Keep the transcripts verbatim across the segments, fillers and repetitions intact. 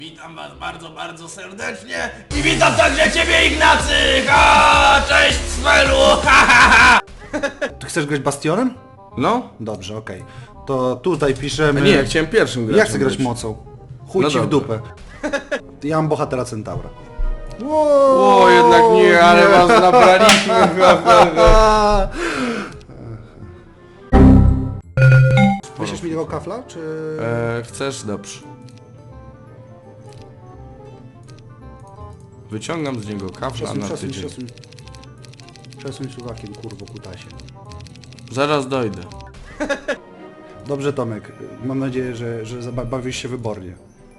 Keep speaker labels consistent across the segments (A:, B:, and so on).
A: Witam was bardzo, bardzo serdecznie i witam także ciebie, Ignacy! Ha! Cześć, Svelu! Ha, ha, ha!
B: Ty chcesz grać Bastionem?
C: No?
B: Dobrze, okej. To tutaj piszemy...
C: A nie, ja chciałem pierwszym grać.
B: Ja chcę grać mocą. Chuj
C: No
B: ci w
C: dobra.
B: dupę. Ja mam bohatera Centaura.
C: O, jednak nie, ale was nabraliśmy.
B: Myślisz mi tego kafla, czy...
C: e, chcesz? Dobrze. Wyciągam z niego kafla
B: Przesuń,
C: na
B: przesuń,
C: tydzień.
B: przesuń. Przesuń suwakiem, kurwo, kutasie.
C: Zaraz dojdę.
B: Dobrze, Tomek. Mam nadzieję, że, że zaba- bawisz się wybornie.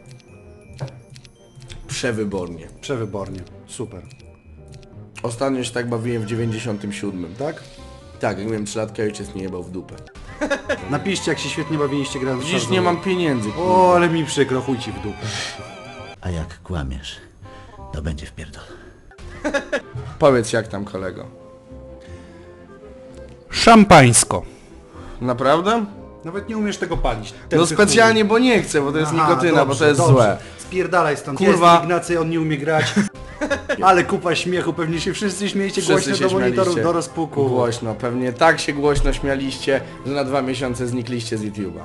C: Przewybornie.
B: Przewybornie. Super.
C: Ostatnio się tak bawiłem w dziewięćdziesiątym siódmym.
B: Tak?
C: Tak, jak miałem trzy latka, ojciec nie jebał w dupę.
B: Napiszcie, jak się świetnie bawiliście grając w
C: Dziś
B: Shadow
C: nie mam
B: War.
C: pieniędzy.
B: O, ale mi przykro, chuj ci w dupę.
D: A jak kłamiesz, to będzie wpierdol.
C: Powiedz jak tam, kolego.
B: Szampańsko.
C: Naprawdę?
B: Nawet nie umiesz tego palić.
C: No specjalnie, bo nie chcę, bo to jest
B: Aha,
C: nikotyna,
B: dobrze,
C: bo to jest
B: dobrze.
C: złe.
B: Spierdalaj stąd.
C: Kurwa.
B: Ja jestem Ignacy, on nie umie grać. Ale kupa śmiechu, pewnie się wszyscy śmiejecie
C: Wszyscy
B: głośno
C: się
B: do monitorów,
C: śmialiście.
B: do rozpuku.
C: Głośno, pewnie tak się głośno śmialiście, że na dwa miesiące znikliście z YouTube'a.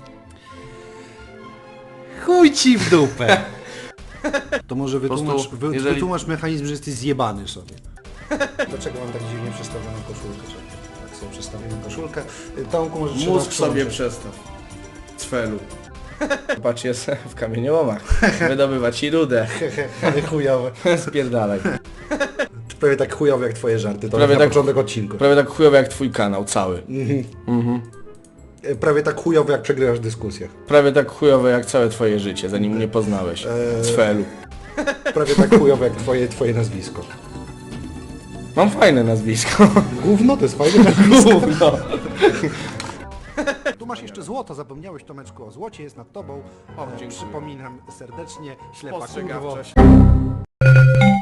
B: Chuj ci w dupę. To może wytłumacz,
C: prostu,
B: wy,
C: jeżeli-
B: wytłumacz mechanizm, że jesteś zjebany sobie. Dlaczego mam tak dziwnie przestawioną koszulkę? Czekaj, tak sobie przestawioną koszulkę. Tomku, może trzeba
C: Mózg sobie
B: przyłączyć.
C: przestaw. Cfelu. Patrz, jest w kamieniołomach. Wydobywa ci rudę.
B: Ale chujowe.
C: Spierdalaj.
B: Prawie tak chujowe jak twoje żarty, to
C: Prawie
B: na
C: tak-
B: początek odcinku.
C: Prawie tak chujowy jak twój kanał, cały.
B: E, Prawie tak chujowe jak przegrywasz w dyskusjach.
C: Prawie tak chujowe jak całe twoje życie, zanim mnie poznałeś. Cfelu.
B: Prawie tak chujowe jak twoje, twoje nazwisko.
C: Mam fajne nazwisko.
B: Gówno, to jest fajne nazwisko.
C: Gówno.
B: Tu masz jeszcze złoto, zapomniałeś, Tomeczku, o złocie jest nad tobą. O,
C: dziękuję.
B: przypominam serdecznie, ślepa kurwo.
C: Postrzegawczość.